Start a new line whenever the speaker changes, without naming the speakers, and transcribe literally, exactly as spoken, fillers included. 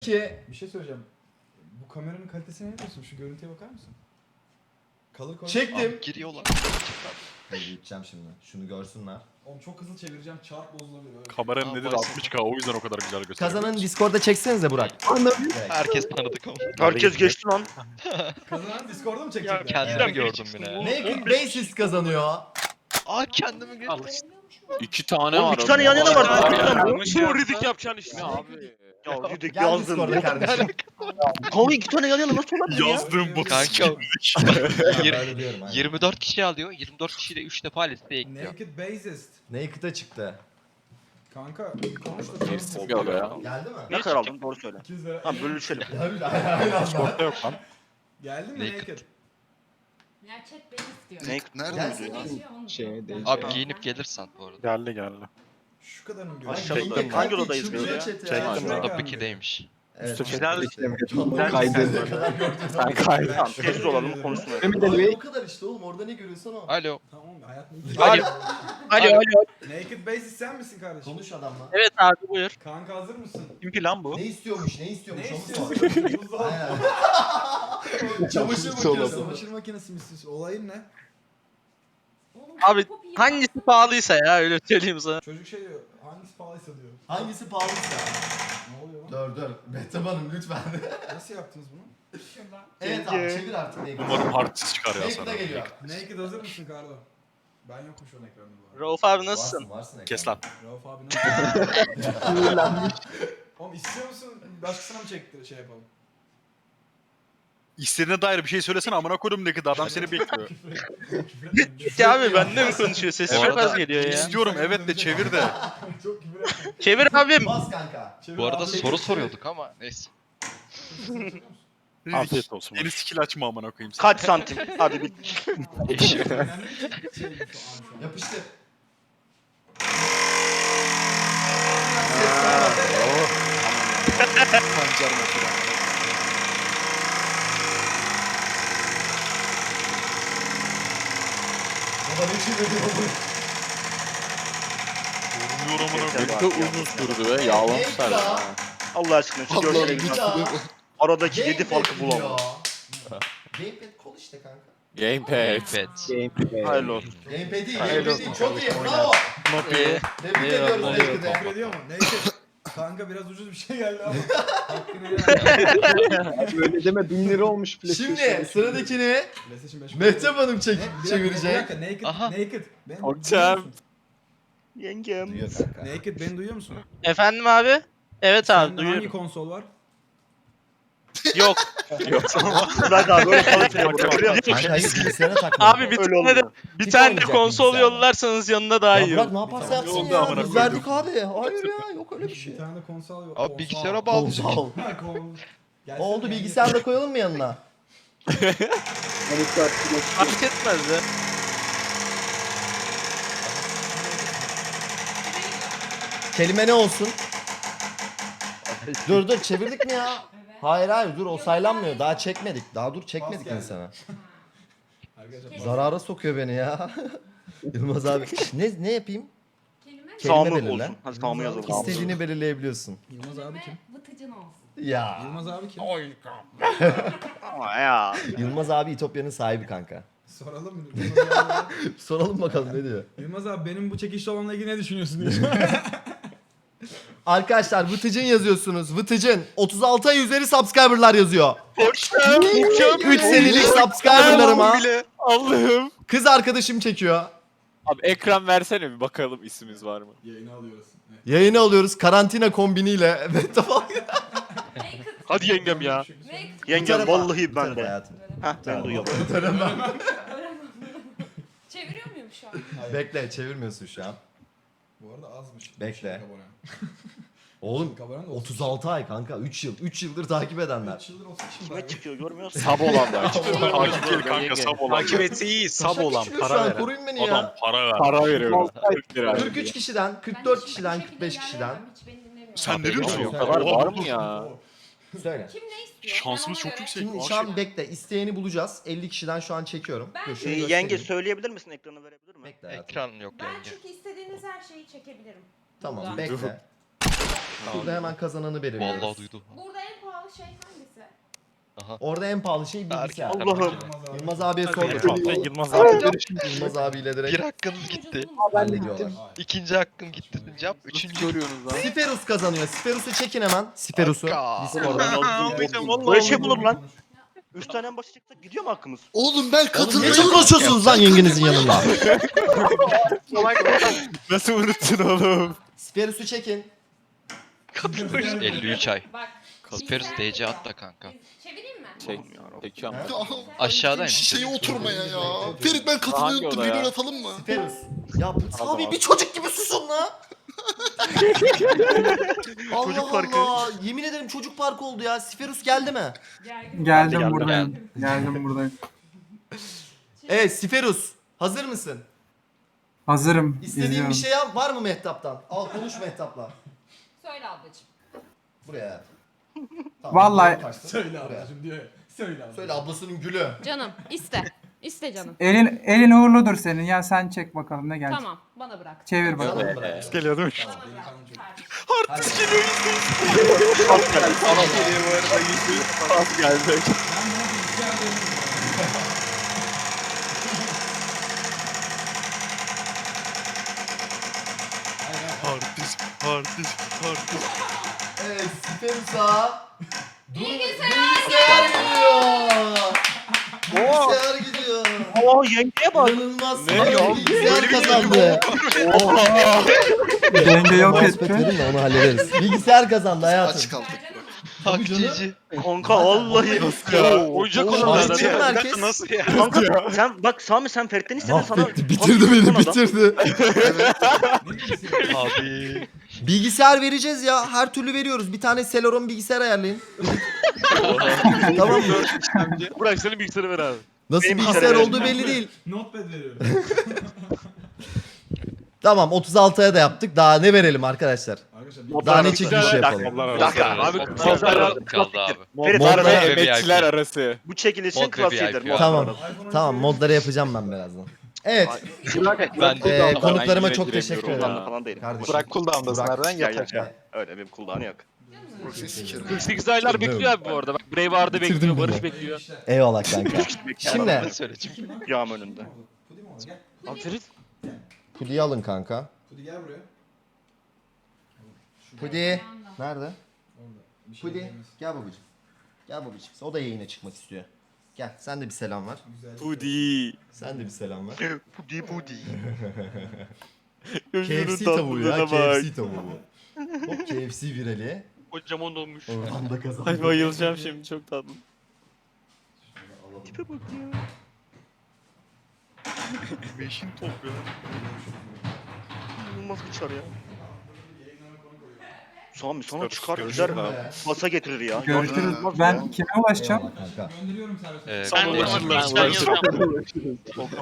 Ki bir şey söyleyeceğim. Bu kameranın kalitesine ne diyorsun? Şu görüntüye bakar mısın? Kalır koy.
Çektim.
Abi giriyorlar.
Hadi gideceğim şimdi. Şunu görsünler.
Oğlum çok hızlı çevireceğim. Çarp bozulabilir. Öyle.
Kameranın
Aa,
nedir
başladı.
altmış K o yüzden o kadar güzel gösteriyor.
Kazananı Discord'da çeksenize Burak.
Herkes tanıdık onu.
Herkes geçti lan.
Kazanan Discord'da mı çekecekler?
Kendimi
Evet.
gördüm yine.
Naked Bassist kazanıyor.
Aa kendimi gördüm.
İki tane
Oğlum
var.
iki tane yan yana var.
Var
Dur
ya.
lan bu.
Bu Ridik yapacağın iş.
Ne abi?
Ya Ridik
Gel
yazdın
Discord'da
ya.
kardeşim.
Kanka iki tane yan yana nasıl olabilir ya?
Yazdığım bu
Kanka.
Ben böyle diyorum, aynen.
yirmi dört kişi alıyor. yirmi dört kişiyle üç defa listeye ekliyor.
Naked Bassist.
Naked'a çıktı.
Kanka konuş da
Gerisi
sorun.
geldi ya.
Geldi mi?
Ne kadar aldın doğru söyle.
ikiz lira.
Tamam bölüşelim.
Geldi. Aynen aynen.
Discord'da yok lan.
Geldi mi
Naked.
Naked?
Ya chat beni istiyor.
Ne?
Gelsin.
Nerede
Nasıl
ya?
geçiyor onu
Şey
bilmiyorum.
değil.
Abi giyinip gelirsen bu arada.
Geldi geldi.
Şu kadarını mı
Ay,
görüyorsun?
Aşağıda.
Naked
Hangi
kanka
odadayız
çıldırıyor
biz ya?
chat ya.
Çektim
ben.
Top ikideymiş.
Evet.
Güzel.
Kaydın.
Sen kaydın.
Tamam sessiz olalım konuşmayalım.
Abi o kadar işte oğlum orada ne görüyorsan o.
Alo.
Tamam hayat mı?
Alo. Alo alo.
Naked Bassist sen misin kardeşim?
Konuş adamla.
Evet abi buyur.
Kanka hazır mısın?
Kim plan bu?
Ne istiyormuş ne istiyormuş
Ne
onu sor.
istiyorsun? Buzdolabı.
Aynen.
Çamaşır
Buzdolabı.
makinesi. Çamaşır makinesi mi istiyorsun? Olayın ne?
Oğlum,
Abi,
çok iyi.
Hangisi pahalıysa ya öyle söyleyeyim sana.
Çocuk şey diyor. Hangisi pahalıysa diyor.
Hangisi pahalıysa?
Ne oluyor lan?
Dur dur. Mehtap Hanım lütfen.
Nasıl yaptınız bunu?
Şuradan.
Evet abi çevir artık Naked'ı.
Umarım hardsiz çıkar ya sana.
Naked'a geliyor.
Naked hazır mısın Carlo? Ben yokum şu an ekranda bu arada.
Rauf abi nasılsın?
Varsın varsın ekranda.
Kes lan.
Rauf abi nasıl? Oğlum istiyor musun? Başkasına mı çekti şey yapalım?
İstediğine dair bir şey söylesene amına koydum ne kadar adam seni bekliyor.
Peki abi bende mi konuşuyor? Sesi
Bu
çok
arada-
az geliyor ya.
İstiyorum evet de çevir de.
Çok küfür etme.
Çevir abim.
Bas kanka.
Çevir
Bu arada
abi.
soru soruyorduk ama neyse.
Afiyet olsun. Yeni skill açma amına koyayım sen.
Kaç santim? Hadi bir.
Önemli bir şey değil şu an şu an.
Yapıştır.
Pancar makine.
Baba ne çeviriyor bu?
Vurmuyor amına koyayım.
Çok uzun sürdü ve yağlamışlar ya.
Allah aşkına şu
Allah'ım
görsele bir
Bir
bak.
daha.
Aradaki yedi
Gamepad
farkı
gidiyor.
bulamam.
Gamepad kol işte kanka.
Gamepad.
Evet.
Hayırlı olsun.
Gamepad değil,
Hayırlı
gamepad değil. Çok iyi, bravo.
Ee,
Tebrik
Eyvallah,
ediyoruz
eyvallah.
Naked'e.
Küfür ediyor mu? Neyse. Kanka biraz ucuz bir şey geldi ama. Hakkını helal.
Böyle deme bin lira olmuş
Şimdi sıradakini
PlayStation beş.
Mehtap Hanım çek
Ne? Bir dakika, Bir
çevirecek.
dakika, naked,
Aha.
naked. Beni
Hocam.
duyuyor musun?
Yengem.
Duyuyor kanka.
Naked beni duyuyor musun?
Efendim abi? Evet abi
Sende hangi
duyuyorum.
konsol var?
Yok.
Bırak abi böyle kaliteye vuruyor.
Kanka hayır bilgisayara takma.
Abi bir
Öyle
tane de
olmuyor.
bir
Hiç
tane de
olmayacak
konsol
bilgisayar.
yollarsanız yanına daha
Ya
iyi
bırak
olur.
ne yaparsa yapsın
Yolda
ya.
amına
Biz
koydum.
verdik abi. Hayır ya yok öyle bir şey.
Bir tane de konsol yok.
Abi bilgisayara bağlayacak.
Konsol.
Ha, kol.
Ne oldu bilgisayarı da koyalım mı yanına?
Fark etmez de.
Kelime ne olsun? dur dur çevirdik mi ya?
Evet.
Hayır hayır dur o
Yok,
saylanmıyor. Daha
hayır.
çekmedik. Daha dur çekmedik
Pas geldi.
insana.
Arkadaşlar,
Zarara sokuyor beni ya. Yılmaz abi. Ne ne yapayım?
Kelime
Kelime
Sağımı
belirle.
olsun. Hadi sağımı yazalım.
İstediğini belirleyebiliyorsun.
Yılmaz abi kim?
vıtıcın olsun.
Ya.
Yılmaz abi kim?
Ama ya.
Yılmaz abi İtopya'nın sahibi kanka.
Soralım mı? Yılmaz abi,
Soralım bakalım ne diyor.
Yılmaz abi benim bu çekişli olanla ilgili ne düşünüyorsun diye.
Arkadaşlar Vıtıcın yazıyorsunuz. Vıtıcın otuz altı ay üzeri subscriber'lar yazıyor. üç senelik subscriber'larıma
Allah'ım.
kız arkadaşım çekiyor.
Abi ekran versene bir bakalım ismimiz var mı?
Yayını alıyoruz. Evet.
Yayını alıyoruz karantina kombiniyle. Ve tamam.
Naked.
Hadi yengem ya.
Naked.
Yengem vallahi
Bir
ben
tarafa
de.
hayatım.
Heh ben duyuyorum.
Çeviriyor muyum şu an?
Bekle çevirmiyorsun şu an.
Bu arada azmış.
Bekle.
Çocuk abone.
Oğlum
Çocuk abone de otuz.
otuz altı ay kanka üç yıl. üç yıldır takip edenler.
üç yıldır otuz kişi
Kime çıkıyor görmüyor musun?
Sab olanlar.
Takip değil kanka sab olan.
Takip etse iyi. Sab
Şaka
olan
çıkıyor şu
para
an,
veren.
koruyun beni
Adam
ya.
para ver.
Para veriyor. kırk lira.
kırk üç kişiden, kırk dört kişiden, kırk beş kişiden.
Sen ne diyorsun?
O kadar var mı ya?
Söyle.
Kim ne istiyor?
Şansımız
Ben
çok
ona göre-
yüksek.
Şimdi
Aşık.
şu an bekle. İsteyeni bulacağız. elli kişiden şu an çekiyorum.
Ben-
Dur,
Ee,
şunu
yenge
göstereyim.
söyleyebilir misin ekranı verebilir mi?
Bekle hayatım.
Ekran yok
Ben
yenge.
çünkü istediğiniz her şeyi çekebilirim.
Tamam
Buradan.
bekle. Burada hemen kazananı belirliyoruz.
Vallahi duydu.
Burada en pahalı şey hangisi?
Orada en pahalı şey bilgisayar.
Erkek
Allah'ım.
erkek.
Yılmaz abiye sorduk.
Yılmaz
Yılmaz abiyle
Bir
direkt
hakkınız gitti.
hallediyorlar.
İkinci hakkım gitti cevap. Üçüncü
görüyorsunuz lan.
Siferus kazanıyor. Siferus'u çekin hemen. Siferus'u.
Hakka.
Discord'dan.
Böyle şey bulur lan. Üç tane en başa çıktık gidiyor mu hakkımız?
Oğlum ben katılmıyorum. Ne çok konuşuyorsunuz lan yengenizin yanında?
Nasıl unuttun oğlum?
Siferus'u çekin.
elli üç ay.
Bak.
Kasperus D C atla kanka.
Çevireyim mi?
Şey, peki ama.
Aşağıdayım.
Şişeye oturmaya ya. Ferit ben
Hangi
katılıyorum.
oda ya?
Video atalım mı?
Siferus. Ya
Tamam.
abi bir çocuk gibi susun la. Allah
Çocuk parkı.
Allah. Yemin ederim çocuk parkı oldu ya. Siferus geldi mi?
Gergin.
Geldi,
Geldim
geldi.
buradayım. Geldim buradayım.
Evet Siferus. Hazır mısın?
Hazırım.
İstediğin
izliyorum.
bir şey yap. Var mı Mehtap'tan? Al konuş Mehtap'la.
Söyle ablacığım.
Buraya. Tamam,
Vallahi-
buraya kaçtın.
Söyle
Buraya.
ablacım diyor. Söyle ablacım.
Söyle ablasının gülü.
Canım iste. İste canım.
Elin, elin uğurludur senin. Ya sen çek bakalım ne gelecek.
Tamam bana bırak.
Çevir
Sana
bakalım.
mı bırak?
Geliyor değil mi?
Bana bırak. Kardeşim.
Artist
geliyor bu arada. Az geldi.
Artist, artist, artist.
Evet Siferus'a.
Bilgisayar.
Bilgisayar gidiyor. Bilgisayar gidiyor.
Oo yengeye bak.
İnanılmaz.
Ne
Siferus
ya?
bilgisayar kazandı.
Denge yok
Mousepad
etti.
verin de onu hallederiz. Bilgisayar kazandı
Aç
hayatım.
kaldık.
Hak cici.
Kanka vallahi.
Ya, oyuncak
Oğlum,
olan
Artist
adam ya.
merkez.
Nasıl ya?
Kanka sen bak Sami sen Ferit'ten istedin sana.
Mahvetti. Bitirdi beni bitirdi.
Abi.
Bilgisayar vereceğiz ya. Her türlü veriyoruz. Bir tane Celeron bilgisayar ayarlayın. Tamam mı?
Bırak senin bilgisayarı ver abi.
Nasıl
Benim
bilgisayar
bilgisayarı
olduğu belli değil.
Notepad veriyorum.
Tamam otuz altıya da yaptık. Daha ne verelim arkadaşlar?
Arkadaşlar
Daha ne
Bir
çekiliş
dakika,
yapalım?
Bir dakika abi.
Modlar kaldı abi.
Ferit
Modlar
harbi
Modlar
ve
ve
V I P.
emekçiler arası.
bu çekilişin
Mod ve
klasiğidir.
V I P.
mod
Tamam.
arası.
Tamam modları yapacağım ben birazdan. Evet.
Ben
Ee,
de
konuklarıma
Ben
çok
yine
teşekkür
giremiyorum
ederim.
Cooldown'da falan değilim.
Kardeşim.
Bırak cooldown'dasın
Burak.
nereden
Ya,
yatar.
ya, ya. Öyle benim cooldown'u yok.
Proxy sikerim.
kırk sekiz aylar bekliyor abi bu arada. Bak Brave Arda
Bitirdim
bekliyor,
bile.
Barış bekliyor.
Eyvallah kanka. Şimdi
Ben söyle çünkü.
Yağım önünde.
Abi Ferit.
Pudi'yi alın kanka.
Pudi gel buraya.
Pudi. Nerede?
Orada. Bir şey
Pudi.
diyemez.
Gel babacığım. Gel babacığım. O da yayına çıkmak istiyor. Gel sen de bir selam ver.
Güzel.
Pudi.
Sen de bir selam ver.
Pudi pudi.
K F C tavuğu ya. K F C tavuğu bu. Hop K F C virali.
Kocaman olmuş.
Oradan da kazandı.
Ay bayılacağım şimdi çok tatlı.
Tipe bak ya.
Beşin top ya.
İnanılmaz bir çar ya. Sami sonra
Görüşürüz,
çıkar
görüşürüz
gider
abi.
masa getirir ya.
Görüşürüz.
İnanılmaz ya.
Ben kime ulaşacağım?
Eyvallah kanka.
Gönderiyorum serbest.
Ee,
Ben de
ulaşırlar,
ben
ulaşırlar.
yazacağım.